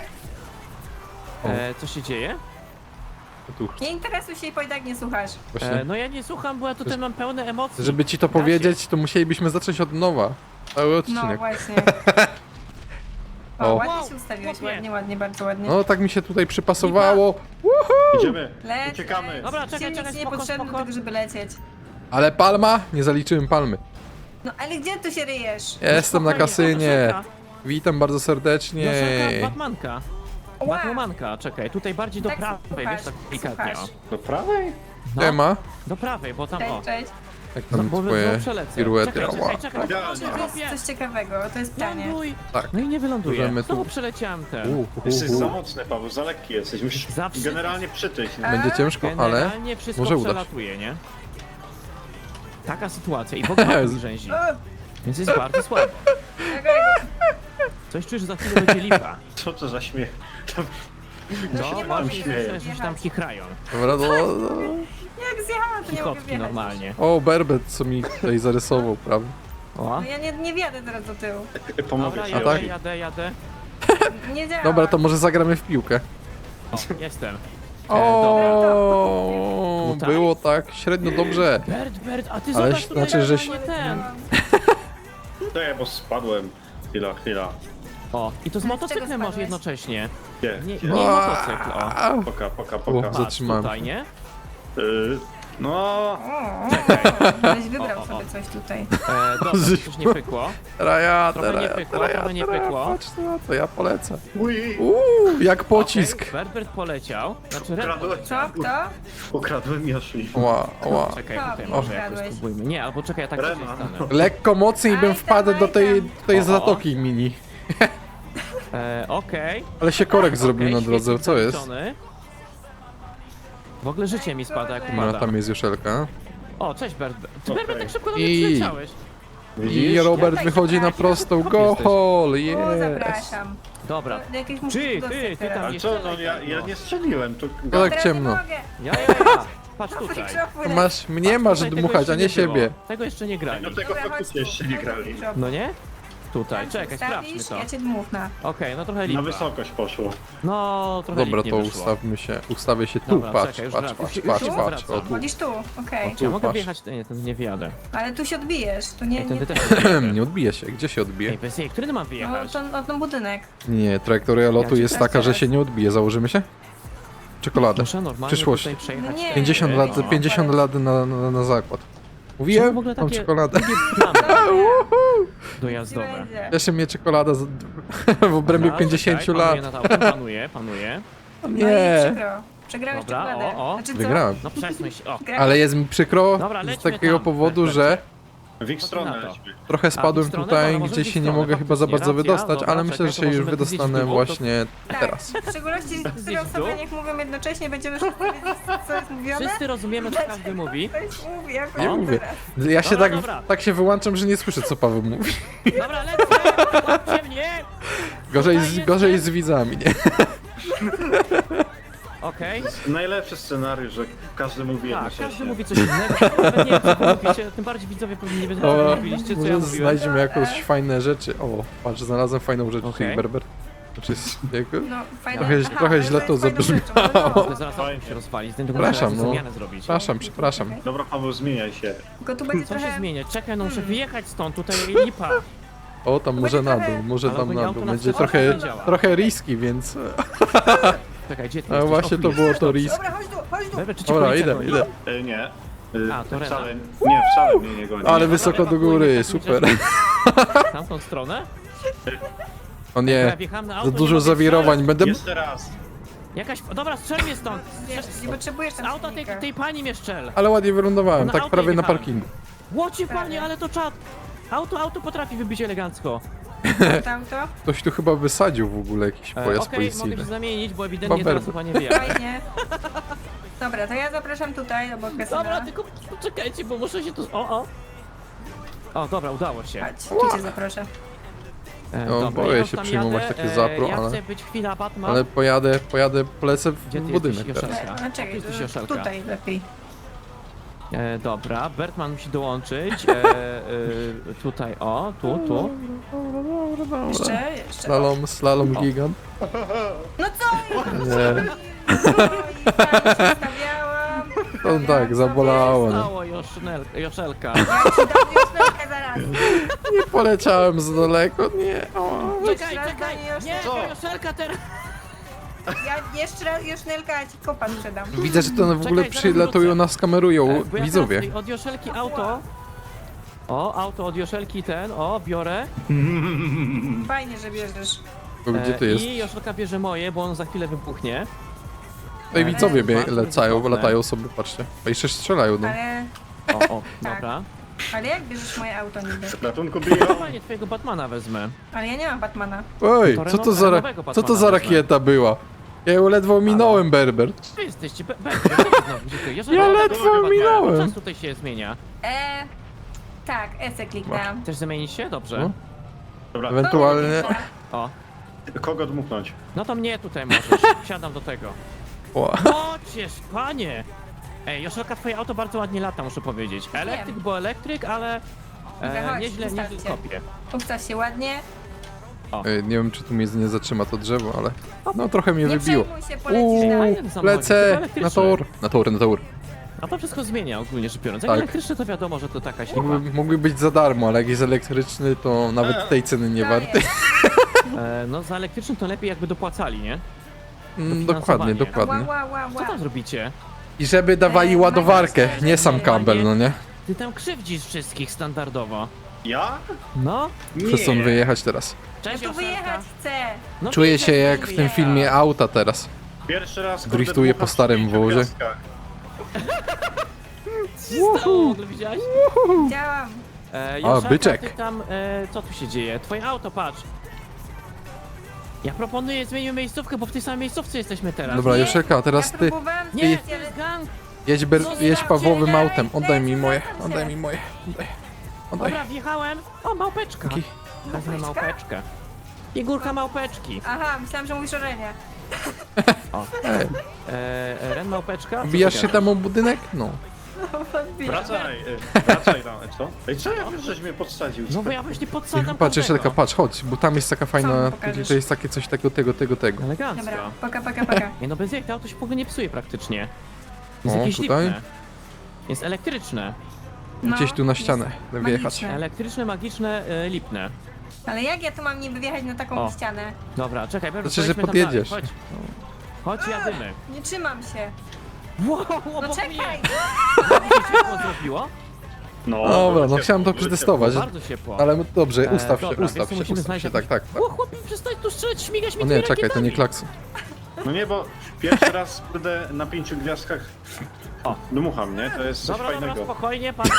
Speaker 1: E, co się dzieje?
Speaker 2: Tu,
Speaker 4: Nie interesuj się, bo i tak nie słuchasz.
Speaker 1: E,
Speaker 2: właśnie.
Speaker 1: no ja nie słucham, bo ja tutaj mam pełne emocji.
Speaker 2: Żeby ci to powiedzieć, to musielibyśmy zacząć od nowa. Cały
Speaker 4: No
Speaker 2: odcinek.
Speaker 4: właśnie.
Speaker 2: O.
Speaker 4: O, ładnie
Speaker 1: Wow,
Speaker 4: się ustawiłeś,
Speaker 1: chłopie.
Speaker 4: ładnie, ładnie, bardzo ładnie.
Speaker 2: No tak mi się tutaj przypasowało.
Speaker 3: Idziemy,
Speaker 4: Leć,
Speaker 3: uciekamy.
Speaker 4: leć.
Speaker 1: Dobra, czekaj,
Speaker 4: Silnik
Speaker 1: czekaj,
Speaker 4: nie
Speaker 1: spoko,
Speaker 4: potrzebny do
Speaker 1: spoko.
Speaker 4: tego, żeby lecieć.
Speaker 2: Ale palma? Nie zaliczyłem palmy.
Speaker 4: No ale gdzie tu się ryjesz?
Speaker 2: Jestem na
Speaker 1: Spokojnie,
Speaker 2: kasynie.
Speaker 1: Joszelka,
Speaker 2: Witam bardzo serdecznie.
Speaker 1: Joszelka, Batmanka.
Speaker 4: Ła.
Speaker 1: Batwomanka, czekaj, tutaj bardziej do
Speaker 4: Tak
Speaker 1: prawej,
Speaker 4: słuchasz,
Speaker 1: wiesz, tak delikatnie.
Speaker 4: słuchasz.
Speaker 1: O.
Speaker 3: Do prawej?
Speaker 1: No,
Speaker 2: Ema?
Speaker 1: do prawej, bo tam, o.
Speaker 4: Cześć, cześć.
Speaker 2: Jak
Speaker 1: No,
Speaker 2: tam
Speaker 1: bo
Speaker 2: twoje
Speaker 1: znowu przelecę.
Speaker 2: piruety?
Speaker 1: Czekaj,
Speaker 2: Ała.
Speaker 1: czekaj, czekaj,
Speaker 3: Ja-
Speaker 1: czekaj,
Speaker 4: To jest
Speaker 1: chłopie.
Speaker 4: coś ciekawego, to jest pytanie.
Speaker 1: Ląduj.
Speaker 2: Tak.
Speaker 1: No i nie wyląduję.
Speaker 2: Możemy tu-
Speaker 1: Znowu przeleciałem ten.
Speaker 2: U, u,
Speaker 3: Jesteś
Speaker 2: u.
Speaker 3: za mocny, Paweł, za lekki jesteś. Musisz
Speaker 1: Zawsze-
Speaker 3: generalnie przytyć.
Speaker 4: A?
Speaker 2: Będzie ciężko, ale
Speaker 1: Generalnie wszystko
Speaker 2: może udać.
Speaker 1: przelatuje, nie? Taka sytuacja i w ogóle mi rzęzi.
Speaker 4: O,
Speaker 1: Więc jest bardzo słabo.
Speaker 4: okej.
Speaker 1: Coś czujesz, że za chwilę będzie lipa.
Speaker 3: Co to za śmiech?
Speaker 1: No,
Speaker 4: nie
Speaker 1: właśnie
Speaker 4: mogę
Speaker 3: śmieję.
Speaker 1: że się tam chichrają.
Speaker 2: Dobra, no, no.
Speaker 4: Jak zjechałam, to nie mogę
Speaker 1: Chichotki
Speaker 4: wjechać.
Speaker 1: normalnie.
Speaker 2: O, Berbet, co mi tutaj zarysował, prawda?
Speaker 1: O.
Speaker 4: No ja nie, nie wjadę teraz do tyłu.
Speaker 3: Pomogę
Speaker 1: Dobra,
Speaker 3: ci.
Speaker 1: jadę,
Speaker 2: tak?
Speaker 1: jadę, jadę.
Speaker 4: Nie działa.
Speaker 2: Dobra, to może zagramy w piłkę.
Speaker 1: O, jestem. E,
Speaker 2: O,
Speaker 1: Tutaj?
Speaker 2: było tak średnio dobrze.
Speaker 1: Bert, Bert, a ty
Speaker 2: Ale
Speaker 1: zobacz tutaj
Speaker 2: znaczy, żeś-
Speaker 1: normalnie ten.
Speaker 3: Nie, bo spadłem. Chwila, chwila.
Speaker 1: O, i to z
Speaker 4: Z czego
Speaker 1: motocyklem masz
Speaker 4: spadłeś?
Speaker 1: jednocześnie.
Speaker 3: Gdzie?
Speaker 1: Nie,
Speaker 3: Gdzie?
Speaker 1: nie motocykl, o.
Speaker 2: A,
Speaker 3: Poka, poka,
Speaker 2: O,
Speaker 3: poka.
Speaker 2: za-
Speaker 1: Patrz
Speaker 2: Zatrzymałem
Speaker 1: tutaj,
Speaker 2: się.
Speaker 1: nie?
Speaker 3: Yy, No,
Speaker 4: O, Ktoś wybrał
Speaker 1: O, o, o.
Speaker 4: sobie coś tutaj.
Speaker 1: E, dobra, coś nie pykło.
Speaker 2: Teraz ja,
Speaker 1: Trochę
Speaker 2: teraz
Speaker 1: nie
Speaker 2: ja,
Speaker 1: pykło,
Speaker 2: teraz ja,
Speaker 1: trochę nie
Speaker 2: teraz ja.
Speaker 1: pykło.
Speaker 2: Patrz na to, ja polecę.
Speaker 3: uj,
Speaker 2: Uuu, jak pocisk.
Speaker 1: Okay, Berbert poleciał. Znaczy Red
Speaker 3: ukradłem,
Speaker 4: Co? Kto?
Speaker 3: ukradłem Yoshi.
Speaker 2: Ła, ła.
Speaker 1: Czekaj,
Speaker 4: Co?
Speaker 1: tutaj
Speaker 4: O,
Speaker 1: może jakoś
Speaker 4: ukradłeś.
Speaker 1: spróbujmy. Nie, albo czekaj, ja tak
Speaker 3: Rema.
Speaker 1: sobie stanę.
Speaker 2: Lekko mocniej bym
Speaker 4: Aj tam,
Speaker 2: wpadł do
Speaker 4: aj
Speaker 2: tej,
Speaker 4: tam.
Speaker 2: tej
Speaker 1: O, o.
Speaker 2: zatoki mini.
Speaker 1: E, Okej.
Speaker 2: Ale się korek zrobił
Speaker 1: Okej,
Speaker 2: na drodze,
Speaker 1: świetnie
Speaker 2: co jest?
Speaker 1: zaliczony. W ogóle życie mi spada jak
Speaker 4: No,
Speaker 2: No,
Speaker 1: upada.
Speaker 2: tam jest Joszelka.
Speaker 1: O, cześć Berbert. Ty
Speaker 3: Okej.
Speaker 1: Berbert tak szybko do mnie
Speaker 2: I-
Speaker 1: przyleciałeś.
Speaker 2: I Robert
Speaker 4: Ja tak
Speaker 2: wychodzi na
Speaker 4: zapraszam.
Speaker 2: prostą.
Speaker 1: Skąd
Speaker 2: Go
Speaker 1: jesteś?
Speaker 2: hole,
Speaker 4: O,
Speaker 2: yes.
Speaker 4: zapraszam.
Speaker 1: Dobra.
Speaker 4: Do jakiejś
Speaker 1: Ty,
Speaker 4: muzyki
Speaker 1: ty,
Speaker 4: do
Speaker 1: ty
Speaker 4: sektora.
Speaker 1: tam
Speaker 3: Ale
Speaker 1: jeszcze.
Speaker 3: co, no ja, ja nie strzeliłem, to...
Speaker 2: tak
Speaker 4: Teraz
Speaker 2: ciemno.
Speaker 4: Nie mogę.
Speaker 1: Ja, ja, ja. Patrz
Speaker 4: No,
Speaker 1: tutaj.
Speaker 4: mikrofon.
Speaker 2: Masz, mnie masz
Speaker 1: Tutaj tego
Speaker 2: dmuchać,
Speaker 1: jeszcze
Speaker 2: a nie
Speaker 1: było.
Speaker 2: siebie.
Speaker 1: Tego jeszcze nie grali.
Speaker 3: Do tego
Speaker 4: Dobra, chodź
Speaker 3: faktycznie
Speaker 4: tu.
Speaker 3: jeszcze nie
Speaker 4: Chodź tu,
Speaker 3: grali.
Speaker 4: mikrofon.
Speaker 1: No nie? Tutaj,
Speaker 4: Tam
Speaker 1: czekaj, sprawdźmy
Speaker 4: ustawisz,
Speaker 1: to.
Speaker 4: Ja cię dmuchnę.
Speaker 1: Okej, no trochę
Speaker 3: Na
Speaker 1: lipa.
Speaker 3: wysokość poszło.
Speaker 1: No, trochę
Speaker 2: Dobra,
Speaker 1: lip
Speaker 2: to
Speaker 1: nie wyszło.
Speaker 2: ustawmy się, ustawię się tu,
Speaker 1: Dobra,
Speaker 2: patrz,
Speaker 1: czekaj, już
Speaker 2: patrz,
Speaker 1: wracam.
Speaker 2: patrz,
Speaker 1: Już-
Speaker 2: patrz,
Speaker 1: już
Speaker 2: patrz,
Speaker 1: wracam.
Speaker 2: o tu.
Speaker 4: Chodzisz tu, okej.
Speaker 2: O,
Speaker 1: Czy ja mogę
Speaker 2: patrz.
Speaker 1: wjechać? Nie, to nie wjadę.
Speaker 4: Ale tu się odbijesz, tu nie...
Speaker 1: Ej,
Speaker 4: nie...
Speaker 1: tędy też nie wjadę.
Speaker 2: Nie odbije się, gdzie się odbije?
Speaker 1: Ej, bez jej, który mam
Speaker 4: No,
Speaker 1: wyjechać?
Speaker 4: to, no, ten budynek.
Speaker 2: Nie, trajektoria lotu
Speaker 1: ci
Speaker 2: jest
Speaker 4: teraz
Speaker 2: taka, że
Speaker 4: teraz.
Speaker 2: się nie odbije, założymy się? Czekoladę.
Speaker 1: Muszę normalnie
Speaker 2: Przyszłość.
Speaker 1: tutaj przejechać.
Speaker 4: No nie.
Speaker 2: pięćdziesiąt
Speaker 1: No.
Speaker 2: lat, pięćdziesiąt lat na, na, na zakład.
Speaker 1: Czemu
Speaker 2: Mówiłem?
Speaker 1: w ogóle
Speaker 2: Mam
Speaker 1: takie
Speaker 2: czekoladę.
Speaker 1: długie plamy
Speaker 4: Ci
Speaker 1: dojazdowe?
Speaker 4: będzie.
Speaker 2: Cieszy mnie czekolada z, w obrębie
Speaker 1: Dobra,
Speaker 2: pięćdziesięciu
Speaker 1: czekaj,
Speaker 2: lat.
Speaker 1: Panuję nad autem, panuję, panuję.
Speaker 4: No i
Speaker 2: Nie,
Speaker 4: przykro. Przegrałeś
Speaker 1: Dobra,
Speaker 4: czekoladę.
Speaker 1: o, o.
Speaker 4: Znaczy co?
Speaker 2: wygrałem.
Speaker 1: No przesuń się, o.
Speaker 4: Grałeś-
Speaker 2: Ale jest mi przykro
Speaker 1: Dobra,
Speaker 2: z
Speaker 1: lećmy
Speaker 2: takiego
Speaker 1: tam.
Speaker 2: powodu,
Speaker 1: Lecimy.
Speaker 2: że
Speaker 3: W ich stronę
Speaker 1: na to.
Speaker 3: lećmy.
Speaker 2: trochę
Speaker 1: A, w
Speaker 2: spadłem
Speaker 1: stronę?
Speaker 2: tutaj,
Speaker 1: Dobra, może
Speaker 2: gdzie
Speaker 1: w
Speaker 2: się nie
Speaker 1: stronę,
Speaker 2: mogę chyba za
Speaker 1: faktycznie,
Speaker 2: bardzo
Speaker 1: racja.
Speaker 2: wydostać,
Speaker 1: Dobra,
Speaker 2: ale myślę, że
Speaker 1: czekaj,
Speaker 2: się
Speaker 1: to
Speaker 2: już
Speaker 1: możemy zjeść
Speaker 2: wydostanę
Speaker 1: w dół, to-
Speaker 2: właśnie
Speaker 4: Tak,
Speaker 2: teraz.
Speaker 4: w szczególności z
Speaker 1: Zjeść w dół?
Speaker 4: osoby, jak mówią jednocześnie, będziemy wszyscy wiedzieć, co jest mówione.
Speaker 1: Wszyscy rozumiemy, co każdy mówi.
Speaker 4: Ktoś mówi, jak
Speaker 2: Nie
Speaker 4: on
Speaker 2: mówię.
Speaker 4: teraz.
Speaker 2: Ja się
Speaker 1: Dobra,
Speaker 2: tak,
Speaker 1: dobra.
Speaker 2: tak się wyłączam, że nie słyszę, co Paweł mówi.
Speaker 1: Dobra, lecę! Łapcie mnie!
Speaker 2: Gorzej
Speaker 1: Tutaj
Speaker 2: z,
Speaker 1: jestem.
Speaker 2: gorzej z widzami, nie?
Speaker 1: Okej.
Speaker 3: Najlepszy scenariusz, że każdy mówi
Speaker 1: Tak,
Speaker 3: jednocześnie.
Speaker 1: każdy mówi coś innego. Nawet nie wiem, co wy mówicie, tym bardziej widzowie powinni wiedzieć, co wy
Speaker 2: O,
Speaker 1: mówiliście, co ja
Speaker 2: może
Speaker 1: mówiłem.
Speaker 2: znajdziemy jakąś fajne rzeczy. O, patrz, znalazłem fajną rzecz,
Speaker 1: Okej.
Speaker 2: czyli Berber. Znaczy, jest jakby...
Speaker 4: No, fajne.
Speaker 2: Trochę-
Speaker 4: Aha,
Speaker 2: trochę
Speaker 4: ale
Speaker 2: źle
Speaker 4: jest
Speaker 2: to
Speaker 4: fajną
Speaker 2: zabrzmiało.
Speaker 4: rzeczą, no,
Speaker 1: To
Speaker 4: no.
Speaker 1: zaraz auto się rozwali, z tego
Speaker 2: Przepraszam,
Speaker 1: muszę
Speaker 2: no.
Speaker 1: zmianę zrobić.
Speaker 2: Przepraszam, przepraszam.
Speaker 3: Dobra, Paweł, zmieniaj się.
Speaker 4: Tylko tu będzie
Speaker 1: Co się
Speaker 4: trochę...
Speaker 1: zmienia? Czekaj, no muszę
Speaker 4: Hmm.
Speaker 1: wyjechać stąd, tutaj lipa.
Speaker 2: O, tam
Speaker 4: To
Speaker 2: może
Speaker 4: będzie
Speaker 2: na
Speaker 4: trochę-
Speaker 2: dół, może
Speaker 1: Ale
Speaker 2: tam
Speaker 1: ogólnie
Speaker 2: na
Speaker 1: auto
Speaker 2: dół.
Speaker 1: na
Speaker 2: Będzie
Speaker 1: wskazówkę
Speaker 2: trochę,
Speaker 1: nie działa.
Speaker 2: trochę riski, więc...
Speaker 1: Czekaj, gdzie ty
Speaker 2: A
Speaker 1: jesteś?
Speaker 2: właśnie
Speaker 1: O,
Speaker 2: to
Speaker 1: tu
Speaker 2: było
Speaker 1: jesteś.
Speaker 2: to risk.
Speaker 4: Dobra, chodź tu, chodź tu.
Speaker 1: Dobra, czy cię
Speaker 2: Dobra,
Speaker 1: policja
Speaker 2: idę,
Speaker 1: goni?
Speaker 2: idę.
Speaker 3: E, nie. E,
Speaker 1: A, to Rena.
Speaker 3: wcale, nie, wcale mnie nie goni.
Speaker 2: Ale wysoko do góry, super.
Speaker 1: W tamtą stronę?
Speaker 2: O
Speaker 1: Ja
Speaker 2: nie,
Speaker 1: wjechałem na
Speaker 2: za
Speaker 1: auto, nie
Speaker 2: dużo
Speaker 1: mogę
Speaker 2: zawirowań, będę...
Speaker 3: Jeszcze raz.
Speaker 1: Jakaś... Dobra, strzel mnie stąd!
Speaker 4: Wiesz, nie potrzebujesz
Speaker 1: Z
Speaker 4: tam
Speaker 1: auta tej,
Speaker 4: silnika.
Speaker 1: tej pani mnie strzel!
Speaker 2: Ale ładnie wylądowałem,
Speaker 1: Na
Speaker 2: tak
Speaker 1: auto
Speaker 2: prawie na
Speaker 1: jechałem.
Speaker 2: parkingu.
Speaker 1: Łocie panie,
Speaker 4: Prawie.
Speaker 1: ale to czad! Auto, auto potrafi wybić elegancko.
Speaker 4: Tam to?
Speaker 2: Ktoś tu chyba wysadził w ogóle jakiś
Speaker 1: E,
Speaker 2: pojazd
Speaker 1: Okej, mogę
Speaker 2: policyjny.
Speaker 1: się zamienić, bo ewidentnie
Speaker 2: Baber.
Speaker 1: teraz chyba nie wiem.
Speaker 4: Fajnie. Dobra, to ja zapraszam tutaj, obok
Speaker 1: Dobra,
Speaker 4: kasyna.
Speaker 1: tylko poczekajcie, bo muszę się tu... O, o! O, dobra, udało się.
Speaker 4: Chodź, tu cię zaproszę.
Speaker 1: E,
Speaker 2: No,
Speaker 1: dobra,
Speaker 2: boję
Speaker 1: ja
Speaker 2: się
Speaker 1: tam
Speaker 2: przyjmować
Speaker 1: jadę,
Speaker 2: takie
Speaker 1: e,
Speaker 2: zapro,
Speaker 1: ja
Speaker 2: ale-
Speaker 1: chcę być chwila Batman.
Speaker 2: Ale pojadę, pojadę, polecę
Speaker 1: Gdzie
Speaker 2: w
Speaker 1: ty
Speaker 2: budynek
Speaker 1: jesteś,
Speaker 2: teraz.
Speaker 1: Joszelka?
Speaker 4: No czekaj,
Speaker 1: Jesteś
Speaker 4: to
Speaker 1: Joszelka.
Speaker 4: tutaj lepiej.
Speaker 1: E, dobra, Bertman musi dołączyć. E, e, tutaj, o, tu, tu.
Speaker 4: Jeszcze, jeszcze.
Speaker 2: Slalom, slalom
Speaker 1: O.
Speaker 2: gigant.
Speaker 4: No co?
Speaker 2: Nie,
Speaker 4: Oj, tam się stawiałam.
Speaker 2: to tak, zabolało. Nie.
Speaker 1: Stało Josznel, Joszelka.
Speaker 4: Ja ci dam wiosnę zaraz.
Speaker 2: nie poleciałem za daleko, nie. O.
Speaker 1: Czekaj,
Speaker 4: raz
Speaker 1: czekaj!
Speaker 4: goni Joszelka.
Speaker 1: Nie,
Speaker 3: Co?
Speaker 1: to Joszelka teraz!
Speaker 4: Ja jeszcze raz Josznelka, a ci kopa sprzedam.
Speaker 2: Widzę, że to w ogóle
Speaker 1: Czekaj, zaraz
Speaker 2: przylatują,
Speaker 1: wrócę.
Speaker 2: nas kamerują
Speaker 1: E, bo ja
Speaker 2: widzowie.
Speaker 1: teraz od Joszelki auto. O, auto od Joszelki ten, o, biorę.
Speaker 4: Fajnie, że bierzesz.
Speaker 2: To Gdzie
Speaker 1: E,
Speaker 2: ty jest?
Speaker 1: I Joszelka bierze moje, bo on za chwilę wybuchnie.
Speaker 2: Tutaj widzowie bie-
Speaker 1: Bardzo
Speaker 2: lecają,
Speaker 1: wygodne.
Speaker 2: latają sobie, patrzcie. A jeszcze strzelają, no.
Speaker 4: Ale,
Speaker 1: O, o,
Speaker 4: Tak.
Speaker 1: dobra.
Speaker 4: ale jak bierzesz moje auto niby?
Speaker 3: Ratunku biją.
Speaker 1: Normalnie twojego Batmana wezmę.
Speaker 4: Ale ja nie mam Batmana.
Speaker 2: Oj,
Speaker 1: To
Speaker 2: co to
Speaker 1: Renault-
Speaker 2: za, ra-
Speaker 1: Renaultowego
Speaker 2: co to
Speaker 1: Batmana
Speaker 2: za
Speaker 1: wezmę.
Speaker 2: rakieta była? Ja ją ledwo minąłem, Berber.
Speaker 1: Wy jesteście, be, be, be, znowu, gdzie ty? Joszelka,
Speaker 2: Ja
Speaker 1: tego
Speaker 2: ledwo
Speaker 1: Batmana.
Speaker 2: minąłem.
Speaker 1: Czas tutaj się zmienia.
Speaker 4: E, tak, E se kliknęłam.
Speaker 1: Chcesz zamienić się? Dobrze.
Speaker 2: No.
Speaker 3: Dobra,
Speaker 2: Ewentualnie...
Speaker 1: O.
Speaker 3: kogo dmuchnąć?
Speaker 1: No to mnie tutaj możesz. Siadam do tego.
Speaker 2: O,
Speaker 1: Chociaż, panie! Ej, Joszelka, twoje auto bardzo ładnie lata, muszę powiedzieć. Elektryk,
Speaker 4: Wiem.
Speaker 1: bo elektryk, ale
Speaker 4: Dobra,
Speaker 1: e,
Speaker 4: chodź,
Speaker 1: nieźle, nieźle
Speaker 4: wystarczy.
Speaker 1: kopie.
Speaker 4: Ustaw się ładnie.
Speaker 2: Ej, nie wiem, czy tu mnie nie zatrzyma to drzewo, ale... No trochę mnie
Speaker 4: Nie
Speaker 2: wybiło.
Speaker 4: przejmuj się, polecisz
Speaker 2: Uuu,
Speaker 4: dalej.
Speaker 1: Fajny samochodzik,
Speaker 2: lecę
Speaker 1: tylko
Speaker 2: na
Speaker 1: elektryczny.
Speaker 2: tor. Na tor, na tor.
Speaker 1: A to wszystko zmienia ogólnie rzecz biorąc. Jak
Speaker 2: Tak.
Speaker 1: elektryczny to wiadomo, że to taka śliwa.
Speaker 2: Mógłby, mógłby być za darmo, ale jak jest elektryczny, to nawet tej ceny nie
Speaker 4: Daję.
Speaker 2: warty.
Speaker 1: E, no za elektryczny to lepiej jakby dopłacali, nie?
Speaker 2: Mm,
Speaker 1: dofinansowanie.
Speaker 2: dokładnie,
Speaker 4: Ła,
Speaker 2: dokładnie.
Speaker 4: ła, ła,
Speaker 1: Co
Speaker 4: ła.
Speaker 1: tam zrobicie?
Speaker 2: I żeby dawali
Speaker 4: Ej,
Speaker 2: ładowarkę,
Speaker 4: Maciek,
Speaker 2: nie sam Campbell, no nie?
Speaker 1: Ty tam krzywdzisz wszystkich standardowo.
Speaker 3: Ja?
Speaker 1: No.
Speaker 2: Chcę stąd wyjechać teraz.
Speaker 4: Ja
Speaker 1: Cześć,
Speaker 4: tu
Speaker 1: Joszelka.
Speaker 4: wyjechać chcę.
Speaker 1: No
Speaker 2: Czuję
Speaker 1: widzę,
Speaker 2: się
Speaker 1: że
Speaker 2: jak w tym
Speaker 1: wyjecha.
Speaker 2: filmie auta teraz.
Speaker 3: Pierwszy raz kurde,
Speaker 2: Driftuję
Speaker 3: dmucham
Speaker 2: po starym
Speaker 3: w pięciu
Speaker 2: wozie.
Speaker 3: gwiazdkach.
Speaker 1: Co się stało? W ogóle widziałaś?
Speaker 4: Działam.
Speaker 1: E, Joszelka,
Speaker 2: byczek.
Speaker 1: Ty tam, e, co tu się dzieje? Twoje auto, patrz. Ja proponuję, zmienimy miejscówkę, bo w tej samej miejscówce jesteśmy teraz.
Speaker 2: Dobra,
Speaker 4: Nie,
Speaker 2: Joszelka, teraz
Speaker 4: ja
Speaker 2: ty.
Speaker 4: próbowałam
Speaker 1: Nie,
Speaker 4: zmienić,
Speaker 1: to
Speaker 4: ale-
Speaker 1: jest gang.
Speaker 2: Jedź, ber,
Speaker 4: No,
Speaker 2: jedź
Speaker 4: nie,
Speaker 2: Pawłowym
Speaker 4: nie,
Speaker 2: autem.
Speaker 4: daj,
Speaker 2: Oddaj mi
Speaker 4: daj,
Speaker 2: moje.
Speaker 4: zostaw
Speaker 2: Oddaj
Speaker 4: się.
Speaker 2: mi moje. Oddaj. Oddaj.
Speaker 1: Dobra, wjechałem. O, małpeczka.
Speaker 2: Dzięki.
Speaker 1: Wezmę małpeczkę. Figurka małpeczki.
Speaker 4: Aha, myślałam, że mówisz o Renie.
Speaker 1: O.
Speaker 2: Ej,
Speaker 1: E, e, Ren małpeczka. Co
Speaker 2: wbijasz
Speaker 1: ty
Speaker 2: się
Speaker 1: gadasz?
Speaker 2: tam o budynek? No.
Speaker 3: Wracaj, y, wracaj tam, co? Ej, co ja wiesz, żeś mnie podsadził?
Speaker 1: No bo ja właśnie
Speaker 2: I
Speaker 1: podsadzam
Speaker 2: patrz,
Speaker 1: każdego.
Speaker 2: Joszelka, patrz, chodź, bo tam jest taka
Speaker 4: Co
Speaker 2: fajna,
Speaker 4: mi pokażesz?
Speaker 2: to jest takie coś tego, tego, tego, tego.
Speaker 1: Elegancko.
Speaker 4: Dobra, paka, paka, paka.
Speaker 1: Nie no, bez jak to auto się w ogóle nie psuje praktycznie. Jest
Speaker 2: O,
Speaker 1: jakieś
Speaker 2: tutaj?
Speaker 1: lipne. Jest elektryczne.
Speaker 4: No,
Speaker 2: Gdzieś tu na ścianę
Speaker 4: jest
Speaker 2: wjechać.
Speaker 4: magiczne.
Speaker 1: Elektryczne, magiczne, e, lipne.
Speaker 4: Ale jak ja tu mam niby wjechać na taką
Speaker 1: O.
Speaker 4: ścianę?
Speaker 1: Dobra, czekaj, Berber,
Speaker 2: Znaczy, że
Speaker 1: pojedźmy tam dalej.
Speaker 2: podjedziesz.
Speaker 1: Chodź. Chodź, jadymy.
Speaker 4: Nie trzymam się.
Speaker 1: Wow,
Speaker 4: No
Speaker 1: obok
Speaker 4: czekaj!
Speaker 1: mnie. Co się ciepło zrobiło?
Speaker 3: No,
Speaker 2: Dobra, no
Speaker 3: ciepło,
Speaker 2: chciałem to
Speaker 3: ciepło.
Speaker 2: przetestować.
Speaker 1: Bardzo ciepło.
Speaker 2: Ale dobrze,
Speaker 1: E,
Speaker 2: ustaw się,
Speaker 1: dobra,
Speaker 2: ustaw
Speaker 1: wiesz co,
Speaker 2: się,
Speaker 1: musimy
Speaker 2: ustaw
Speaker 1: znaleźć
Speaker 2: się, tak,
Speaker 1: jakiś-
Speaker 2: tak, tak.
Speaker 1: O, chłopie, przestań tu strzelać, śmigać mi
Speaker 2: O
Speaker 1: tymi
Speaker 2: nie, czekaj, to nie
Speaker 1: rakietami.
Speaker 2: klakson.
Speaker 3: No nie, bo pierwszy raz kurde na pięciu gwiazdkach
Speaker 1: O.
Speaker 3: dmucham, nie? To jest coś
Speaker 1: Dobra, dobra,
Speaker 3: fajnego.
Speaker 1: spokojnie, patrz.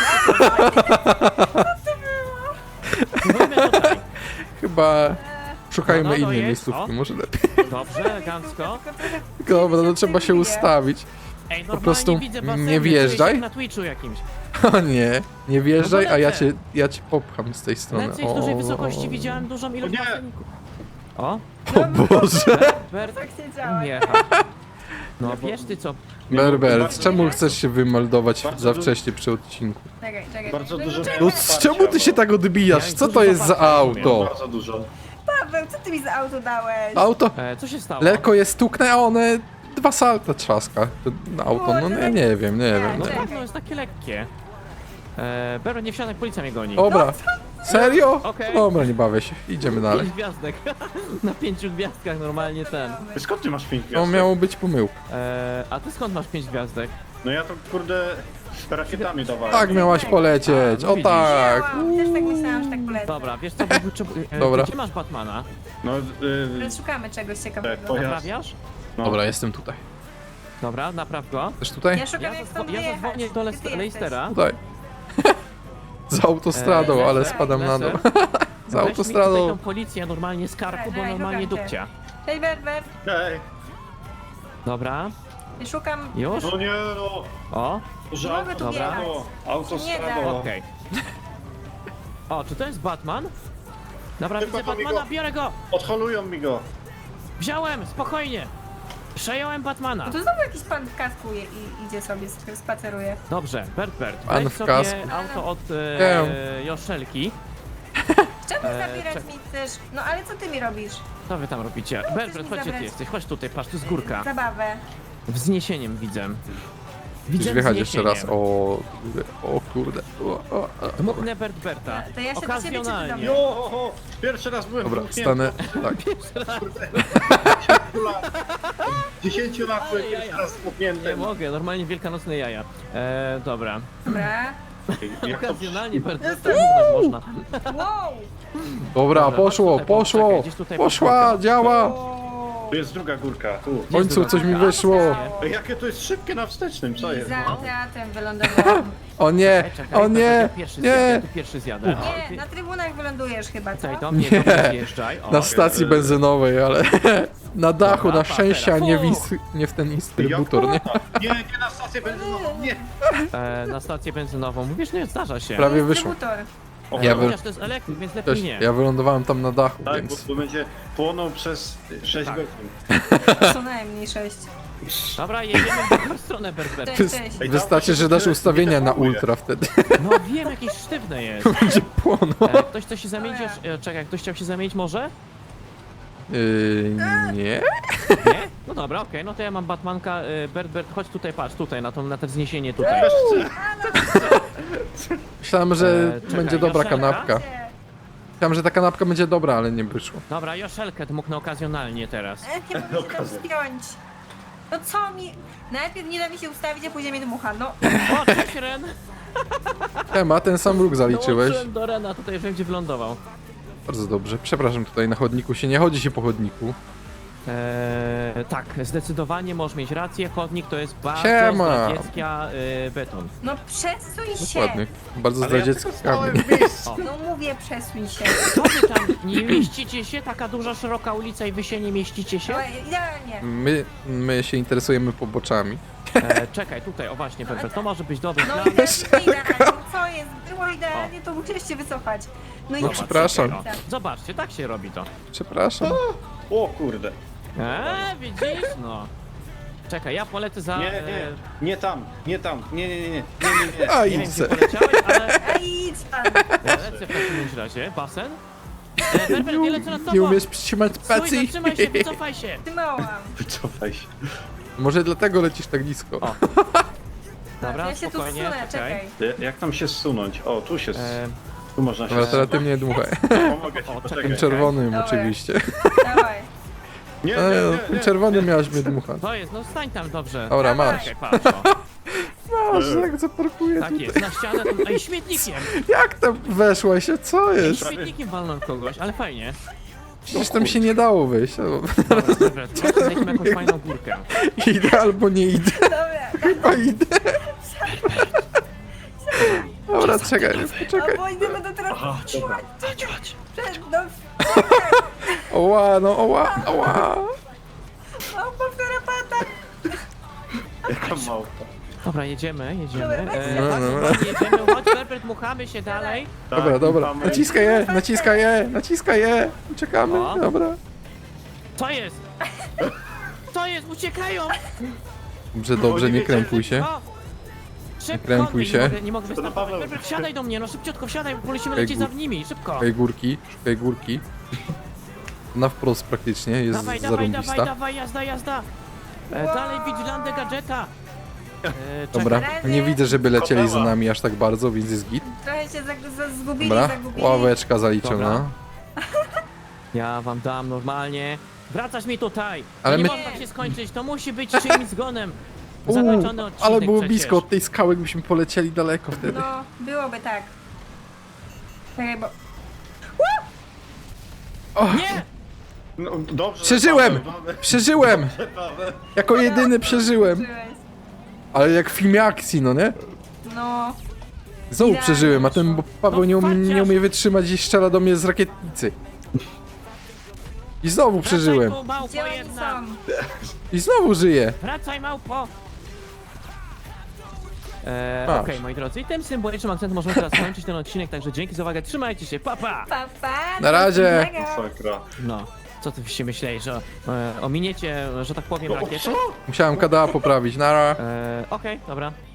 Speaker 1: Spróbujmy tutaj.
Speaker 2: Chyba szukajmy
Speaker 1: No, no,
Speaker 2: innej
Speaker 1: jest,
Speaker 2: miejscówki,
Speaker 1: o.
Speaker 2: może lepiej.
Speaker 1: Dobrze, elegancko.
Speaker 2: Dobra, no trzeba się ustawić.
Speaker 1: Ej, normalnie
Speaker 2: prostu
Speaker 1: widzę
Speaker 2: nie
Speaker 1: baseny, czuję się
Speaker 2: wjeżdżaj.
Speaker 1: jak na Twitchu jakimś.
Speaker 2: O nie, nie wjeżdżaj,
Speaker 1: No bo
Speaker 2: a ja
Speaker 1: lecę.
Speaker 2: cię, ja cię popcham z tej strony.
Speaker 1: Lecę i w dużej
Speaker 2: O,
Speaker 1: wysokości widziałem dużą ilość
Speaker 3: nie.
Speaker 1: baseników. O,
Speaker 2: O Boże.
Speaker 1: Bert,
Speaker 4: Tak się działa.
Speaker 1: nie. No wiesz ty co,
Speaker 2: Berber,
Speaker 3: Bardzo-
Speaker 2: czemu chcesz się wymeldować
Speaker 3: Bardzo
Speaker 2: za
Speaker 3: du-
Speaker 2: wcześnie przy odcinku?
Speaker 4: Czekaj, czekaj.
Speaker 3: Bardzo
Speaker 4: No,
Speaker 3: dużo-
Speaker 4: czekaj.
Speaker 2: No z czemu ty się tak odbijasz? Co to jest za auto?
Speaker 3: Bardzo dużo.
Speaker 4: Paweł, co ty mi za auto dałeś?
Speaker 2: Auto,
Speaker 1: e, co się stało?
Speaker 2: lekko je stuknę, a one dwa salta trzaska. To auto, no nie, nie wiem, nie wiem.
Speaker 1: No
Speaker 2: Nie.
Speaker 1: tak, no jest takie lekkie. E, Bero, nie wsiadaj, policja mnie goni.
Speaker 2: Dobra, serio?
Speaker 1: Okej.
Speaker 2: Dobra, nie bawię się, idziemy dalej.
Speaker 1: Pięć gwiazdek. Na pięciu gwiazdkach normalnie ten.
Speaker 3: Skąd ty masz pięć
Speaker 2: To
Speaker 3: gwiazdek?
Speaker 2: miało być pomyłka.
Speaker 1: E, a ty skąd masz pięć gwiazdek?
Speaker 3: No ja to kurde rakietami dawałem.
Speaker 2: Tak miałaś polecieć,
Speaker 1: A, no
Speaker 2: o
Speaker 1: widzisz.
Speaker 2: tak.
Speaker 4: Działam. Też tak myślałam, że tak polecę.
Speaker 1: Dobra, wiesz co, bo, czy, e,
Speaker 2: Dobra.
Speaker 1: gdzie masz Batmana?
Speaker 3: No, y,
Speaker 4: Teraz szukamy czegoś
Speaker 3: tak,
Speaker 4: ciekawego.
Speaker 3: pojazd.
Speaker 1: Naprawiasz?
Speaker 3: No.
Speaker 2: Dobra, jestem tutaj.
Speaker 1: Dobra, napraw go.
Speaker 2: Też tutaj?
Speaker 4: Ja szukam
Speaker 1: Ja,
Speaker 4: jak
Speaker 1: zadzwo-
Speaker 4: stąd
Speaker 1: ja
Speaker 4: wyjechać.
Speaker 1: zadzwonię do
Speaker 4: Gdzie
Speaker 1: Leist-
Speaker 4: ty jesteś?
Speaker 1: Leistera.
Speaker 2: Tutaj. Z autostradą,
Speaker 1: Eee,
Speaker 2: ale
Speaker 4: lecę,
Speaker 2: spadam na dół.
Speaker 1: Lecę.
Speaker 2: Z
Speaker 1: Weź mi tutaj
Speaker 2: autostradą.
Speaker 1: tą policję normalnie z karku, bo
Speaker 4: Daj,
Speaker 1: normalnie
Speaker 4: szukam cię.
Speaker 1: dupcia.
Speaker 4: Cześć, Berber.
Speaker 3: Ej,
Speaker 1: Dobra,
Speaker 4: Szukam...
Speaker 1: już?
Speaker 3: no nie no.
Speaker 1: O,
Speaker 3: Że
Speaker 4: Nie mogę tu
Speaker 1: Dobra.
Speaker 4: wjechać.
Speaker 3: Autostrado.
Speaker 1: okej. O, czy to jest Batman? Dobra,
Speaker 3: Tylko
Speaker 1: widzę
Speaker 3: to mi
Speaker 1: Batmana,
Speaker 3: go-
Speaker 1: biorę go!
Speaker 3: Odholują mi go.
Speaker 1: Wziąłem, spokojnie! Przejąłem Batmana.
Speaker 4: No to znowu jakiś pan w kasku je, i idzie sobie, sp- spaceruje.
Speaker 1: Dobrze, Bert Bert,
Speaker 2: Pan
Speaker 1: weź
Speaker 2: w
Speaker 1: sobie
Speaker 2: kasku.
Speaker 1: auto od
Speaker 2: Wiem.
Speaker 1: e, Joszelki.
Speaker 4: Czemu
Speaker 1: Eee,
Speaker 4: zabierać
Speaker 1: czek-
Speaker 4: mi chcesz? No ale co ty mi robisz?
Speaker 1: Co wy tam robicie? Bert
Speaker 4: chcesz
Speaker 1: Bert,
Speaker 4: mi
Speaker 1: chodź gdzie ty
Speaker 4: zabrać?
Speaker 1: jesteś, chodź tutaj, patrz, tu jest górka.
Speaker 4: Zabawę.
Speaker 1: Wzniesieniem widzę. Widzę
Speaker 2: Chcesz wjechać jeszcze raz.
Speaker 1: wzniesieniem.
Speaker 2: O kurde, o kurde. O, o, o.
Speaker 1: Dmuchnę Bert Berta.
Speaker 4: To ja się do ciebie czy ty do
Speaker 1: Okazjonalnie.
Speaker 4: mnie?
Speaker 3: Jo, ho, ho. Pierwszy raz byłem
Speaker 2: Dobra,
Speaker 3: włóknięty.
Speaker 2: stanę. Tak.
Speaker 3: dziesięciu lat byłem
Speaker 1: Ale
Speaker 3: pierwszy
Speaker 1: jaja.
Speaker 3: raz
Speaker 1: Nie
Speaker 3: włóknięty.
Speaker 1: mogę, normalnie wielkanocne jaja. E, dobra.
Speaker 4: Dobra.
Speaker 3: Jak to-
Speaker 1: Okazjonalnie Bert Berta dmuchnąć można.
Speaker 4: Wow!
Speaker 2: Dobra,
Speaker 1: Dobra,
Speaker 2: poszło,
Speaker 1: chodź tutaj,
Speaker 2: poszło.
Speaker 1: poczekaj, gdzieś tutaj
Speaker 2: Poszła,
Speaker 1: podwórko.
Speaker 2: działa.
Speaker 4: Wow.
Speaker 3: Tu jest druga górka, tu.
Speaker 2: W końcu coś mi wyszło.
Speaker 3: Ej, jakie to jest szybkie na wstecznym, co
Speaker 4: I
Speaker 3: jest?
Speaker 4: za teatrem wylądowałam.
Speaker 2: O nie,
Speaker 1: Czekaj, czekaj,
Speaker 2: o
Speaker 1: to
Speaker 2: nie,
Speaker 1: ja pierwszy zjadę, ja
Speaker 2: nie.
Speaker 1: tu pierwszy zjadę. O,
Speaker 4: Nie, na trybunach wylądujesz chyba, co?
Speaker 1: Tutaj do mnie,
Speaker 2: Nie.
Speaker 1: do mnie zjeżdżaj. O,
Speaker 2: Na stacji benzynowej, ale na dachu,
Speaker 1: Dobra,
Speaker 2: na
Speaker 1: pa,
Speaker 2: szczęście, a
Speaker 1: teraz.
Speaker 2: nie,
Speaker 1: Fu.
Speaker 2: wis, nie w ten instrybutor, nie?
Speaker 3: Nie, nie na stację benzynową, nie.
Speaker 1: e, na stację benzynową. Mówisz, nie, zdarza się.
Speaker 2: Prawie wyszło.
Speaker 4: Dystrybutor.
Speaker 3: O,
Speaker 2: Ja
Speaker 1: Ja
Speaker 2: wy-
Speaker 1: Chociaż to jest elektryk, więc lepiej
Speaker 2: Też,
Speaker 1: nie.
Speaker 2: ja wylądowałem tam na dachu,
Speaker 3: Tak, bo,
Speaker 2: więc...
Speaker 3: bo będzie płonął przez sześć
Speaker 1: Tak.
Speaker 3: godzin.
Speaker 4: Co najmniej sześć.
Speaker 1: Dobra, jedziemy w drugą stronę, Berber.
Speaker 4: Cześć, cześć.
Speaker 3: Ej,
Speaker 2: Wystarczy, że dasz ustawienia na ultra wtedy.
Speaker 1: No wiem, jakieś sztywne jest.
Speaker 2: Będzie płonął.
Speaker 1: E, ktoś chce się zamienić już... E, czekaj, ktoś chciał się zamienić może?
Speaker 2: Yy, nie?
Speaker 1: Nie? No dobra, okej, no to ja mam Batmanka. E, Bert, Bert, chodź tutaj, patrz, tutaj, na to, na to wzniesienie tutaj.
Speaker 3: Też chcę.
Speaker 2: Myślałem, że
Speaker 1: E, czekaj,
Speaker 2: będzie dobra
Speaker 1: Joszelka?
Speaker 2: kanapka. Myślałem, że ta kanapka będzie dobra, ale nie wyszło.
Speaker 1: Dobra, Joszelkę dmuchnę okazjonalnie teraz.
Speaker 4: E, nie mogę się tam spiąć. No co mi... Najpierw nie da mi się ustawić, a później mnie dmucha, no.
Speaker 1: O, cześć Ren!
Speaker 2: Ema, ten sam róg zaliczyłeś.
Speaker 1: Dołączyłem do Rena, tutaj wiem gdzie wylądował.
Speaker 2: Bardzo dobrze. Przepraszam, tutaj na chodniku się nie chodzi się po chodniku.
Speaker 1: Eee, tak, zdecydowanie możesz mieć rację, chodnik to jest bardzo
Speaker 2: Siema.
Speaker 1: zdradziecka y, beton.
Speaker 4: No przesuń się.
Speaker 2: Dokładnie. Bardzo
Speaker 3: Ale ja
Speaker 2: zdradziecki
Speaker 3: tylko stałem
Speaker 2: kamień.
Speaker 3: w miejscu.
Speaker 4: No mówię, przesuń się.
Speaker 1: Co wy tam, nie mieścicie się? Taka duża, szeroka ulica i wy się nie mieścicie się?
Speaker 4: No, idealnie.
Speaker 2: My, my się interesujemy poboczami.
Speaker 1: E, czekaj, tutaj, o właśnie, Pepper, to może być dobry
Speaker 4: No
Speaker 1: plan.
Speaker 4: idealnie, idealnie. Co jest? Było idealnie, to musieliście wycofać. No i
Speaker 1: Zobacz,
Speaker 2: przepraszam.
Speaker 1: czekaj, o. Zobaczcie, tak się robi to.
Speaker 2: Przepraszam.
Speaker 3: O kurde.
Speaker 1: Eee, widzisz? No. Czekaj, ja polecę za...
Speaker 3: Nie, nie,
Speaker 1: e,
Speaker 3: nie tam, nie tam, nie, nie, nie, nie, nie, nie, nie.
Speaker 2: A
Speaker 1: nie wiem,
Speaker 2: idź
Speaker 1: gdzie
Speaker 2: se.
Speaker 1: poleciałeś, ale
Speaker 4: A idź pan.
Speaker 1: ja lecę w takim razie. Basen? E, Pepper, nie lecę nad tobą!
Speaker 2: Nie umiesz przytrzymać
Speaker 1: Stój,
Speaker 2: spacji.
Speaker 1: zatrzymaj się, wycofaj się!
Speaker 4: Trzymałam.
Speaker 3: Wycofaj się.
Speaker 2: Może dlatego lecisz tak nisko.
Speaker 1: O. Dobra,
Speaker 4: Ja się tu
Speaker 1: spokojnie,
Speaker 4: wsunę,
Speaker 1: czekaj.
Speaker 4: czekaj.
Speaker 3: Ja- Jak tam się zsunąć? O, tu się,
Speaker 1: E,
Speaker 3: tu można się
Speaker 2: Dobra, teraz
Speaker 3: zsunąć.
Speaker 2: ty mnie dmuchaj.
Speaker 3: Pomogę ci,
Speaker 1: O,
Speaker 3: poczekaj.
Speaker 2: Tym czerwonym
Speaker 4: Dobra.
Speaker 2: oczywiście.
Speaker 4: Dawaj.
Speaker 3: Nie, nie,
Speaker 2: E,
Speaker 3: nie,
Speaker 2: tym
Speaker 3: nie.
Speaker 2: czerwonym miałaś mnie dmuchać.
Speaker 1: to jest, no stań tam dobrze.
Speaker 2: Dobra,
Speaker 4: Dawaj.
Speaker 2: masz.
Speaker 1: Czekaj, patrz, o.
Speaker 2: Masz, jak zaparkuję
Speaker 1: Tak
Speaker 2: tutaj.
Speaker 1: jest, na ścianę, tu, ej, śmietnikiem!
Speaker 2: Jak tam weszłaś się? Co
Speaker 1: Ej,
Speaker 2: jest?
Speaker 1: śmietnikiem walnął kogoś, ale fajnie.
Speaker 2: Przecież tam się nie dało wyjść. O,
Speaker 1: Dobra, dobra, chodź, zejdźmy jakąś fajną górkę.
Speaker 2: Idę albo nie idę.
Speaker 4: Dobra.
Speaker 2: Chyba idę. Dobra, czekaj,
Speaker 4: O,
Speaker 2: poczekaj.
Speaker 4: bo idę będę teraz...
Speaker 1: Chodź, chodź, chodź.
Speaker 4: Przed, no,
Speaker 2: Oła, no oła, oła.
Speaker 4: o, powtóra pata.
Speaker 3: Jaka małpa.
Speaker 1: Dobra, jedziemy, jedziemy.
Speaker 4: Dobra,
Speaker 1: E,
Speaker 2: no,
Speaker 1: tak,
Speaker 2: no.
Speaker 1: dokładnie, jedziemy, chodź, Berbert, muchamy się dalej.
Speaker 3: Tak,
Speaker 2: Dobra, dobra.
Speaker 3: mamy-
Speaker 2: Naciskaj je, naciskaj je, naciskaj je. Czekamy,
Speaker 1: O.
Speaker 2: dobra.
Speaker 1: Co jest? Co jest? Uciekają!
Speaker 2: Dobrze, dobrze, nie krępuj się.
Speaker 1: O! Szybko,
Speaker 2: krępuj
Speaker 1: nie
Speaker 2: się.
Speaker 1: mogę, nie mogę
Speaker 3: To
Speaker 1: występować.
Speaker 3: Paweł.
Speaker 1: Berbert, wsiadaj do mnie, no szybciutko wsiadaj, bo musimy
Speaker 2: Ej,
Speaker 1: lecieć za
Speaker 2: gór-
Speaker 1: nimi, szybko.
Speaker 2: Szukaj górki, szukaj górki. Na wprost praktycznie, jest
Speaker 1: Dawaj, dawaj, dawaj,
Speaker 2: zarąbista.
Speaker 1: dawaj, jazda, jazda. E, dalej Vigilante Gadżeta. E,
Speaker 2: Dobra,
Speaker 1: czekaj.
Speaker 2: nie widzę, żeby lecieli za
Speaker 3: Kopała.
Speaker 2: nami aż tak bardzo, więc jest git.
Speaker 4: Trochę się zag- za- zgubili,
Speaker 2: Dobra,
Speaker 4: zagubili.
Speaker 2: ławeczka zaliczona.
Speaker 1: Dobra. Ja wam dam normalnie. Wracać mi tutaj.
Speaker 2: Ale
Speaker 1: Ale nie
Speaker 2: my-
Speaker 1: może tak się skończyć, to musi być czyimś zgonem.
Speaker 2: Uuu,
Speaker 1: Zakończony odcinek
Speaker 2: ale było
Speaker 1: przecież.
Speaker 2: blisko od tej skały, byśmy polecieli daleko wtedy.
Speaker 4: No, byłoby tak. Czekaj, bo...
Speaker 1: Nie!
Speaker 3: No, dobrze.
Speaker 2: Przeżyłem!
Speaker 3: Paweł, mamy-
Speaker 2: Przeżyłem!
Speaker 3: Paweł.
Speaker 2: Jako jedyny przeżyłem.
Speaker 4: Czułeś.
Speaker 2: Ale jak w filmie akcji, no nie?
Speaker 4: No,
Speaker 2: Znowu
Speaker 4: Idealnie
Speaker 2: przeżyłem, a ten bo Paweł
Speaker 1: No
Speaker 2: nie, umie,
Speaker 1: farciarz.
Speaker 2: nie umie wytrzymać i strzela do mnie z rakietnicy. I znowu przeżyłem.
Speaker 1: Wracaj tu, małpo
Speaker 4: gdzie oni
Speaker 1: jedna.
Speaker 4: są?
Speaker 2: I znowu żyję.
Speaker 1: Wracaj, małpo. Eee,
Speaker 2: Masz.
Speaker 1: Okej, moi drodzy, i tym symbolicznym akcentem możemy teraz skończyć ten odcinek, także dzięki za uwagę, trzymajcie się, pa pa!
Speaker 4: Pa, pa,
Speaker 2: Na razie.
Speaker 4: do następnego.
Speaker 3: Sakra.
Speaker 1: No, co ty się myślałeś, że e, ominiecie, że tak powiem,
Speaker 3: No, o
Speaker 1: rakietę?
Speaker 3: co?
Speaker 2: Musiałem K D A poprawić, nara.
Speaker 1: Eee, Okej, dobra.